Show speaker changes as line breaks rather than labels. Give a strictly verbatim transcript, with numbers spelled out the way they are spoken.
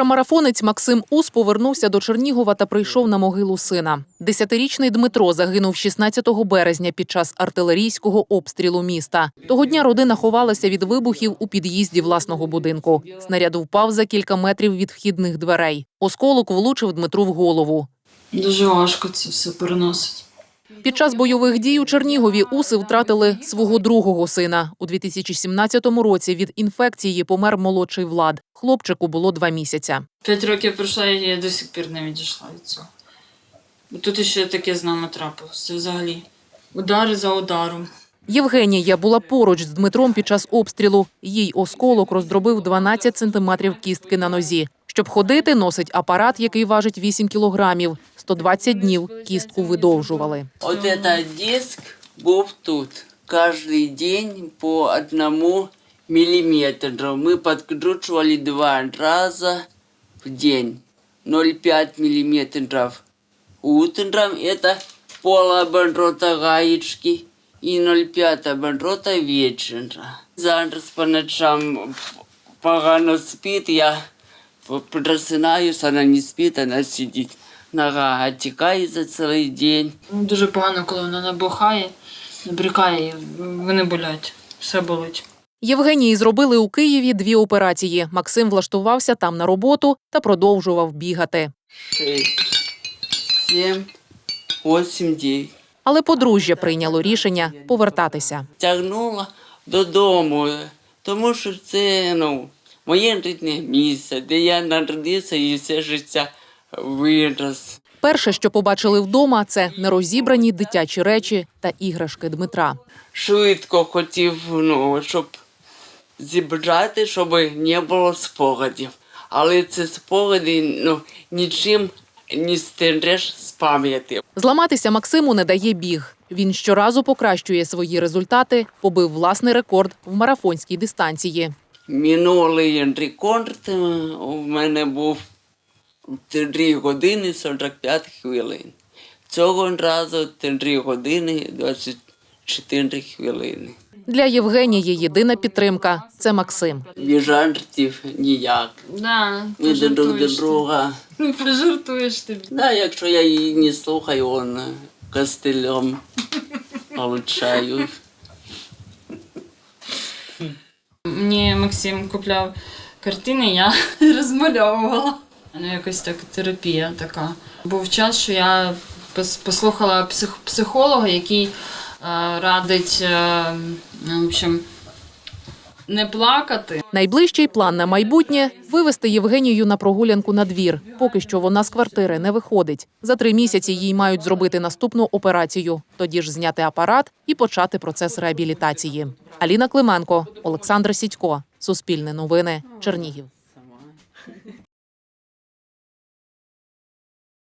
Ультрамарафонець Максим Ус повернувся до Чернігова та прийшов на могилу сина. Десятирічний Дмитро загинув шістнадцятого березня під час артилерійського обстрілу міста. Того дня родина ховалася від вибухів у під'їзді власного будинку. Снаряд впав за кілька метрів від вхідних дверей. Осколок влучив Дмитру в голову.
Дуже важко це все переносити.
Під час бойових дій у Чернігові Уси втратили свого другого сина. У дві тисячі сімнадцятому році від інфекції помер молодший Влад. Хлопчику було два місяця.
П'ять років пройшло, і я до сих пір не відійшла від цього. Тут ще таке з нами трапилося. Це взагалі удари за ударом.
Євгенія була поруч з Дмитром під час обстрілу. Їй осколок роздробив дванадцять сантиметрів кістки на нозі. Щоб ходити, носить апарат, який важить вісім кілограмів. сто двадцять днів кістку видовжували.
От цей диск був тут. Кожен день по одному міліметру. Ми підкручували два рази в день. ноль цілих п'ять міліметрів. Утром це полоборота гаєчки і ноль цілих п'ять оборота вечора. Зараз по ночам погано спить, я просинаюся, вона не спить, вона сидить. Нога отікає за цілий день.
Дуже погано, коли вона набухає, набрікає, вони болять, все болить.
Євгенії зробили у Києві дві операції. Максим влаштувався там на роботу та продовжував бігати.
Шість, сім, вісім, дев'ять.
Але подружжя прийняло рішення повертатися.
Тягнула додому, тому що це, ну, моє рідне місце, де я народився і все життя вирос.
Перше, що побачили вдома, це нерозібрані дитячі речі та іграшки Дмитра.
Швидко хотів, ну, щоб зібрати, щоб не було спогадів. Але ці спогади, ну, нічим не стереш з пам'яті.
Зламатися Максиму не дає біг. Він щоразу покращує свої результати, побив власний рекорд в марафонській дистанції.
Минулий рекорд у мене був три години сорок п'ять хвилин. Цього разу три години двадцять чотири хвилини.
Для Євгенії єдина підтримка – це Максим.
Без жартів ніяк.
Да,
Ми друг до друга.
Пожартуєш тобі.
Да, якщо я її не слухаю, он костелем получаю.
Мені Максим купляв картини, я розмальовувала. Ну, якось так терапія така. Був час, що я послухала псих, психолога, який е, радить е, в общем, не плакати.
Найближчий план на майбутнє – вивезти Євгенію на прогулянку на двір. Поки що вона з квартири не виходить. За три місяці їй мають зробити наступну операцію. Тоді ж зняти апарат і почати процес реабілітації. Аліна Клименко, Олександр Сідько. Суспільне новини. Чернігів.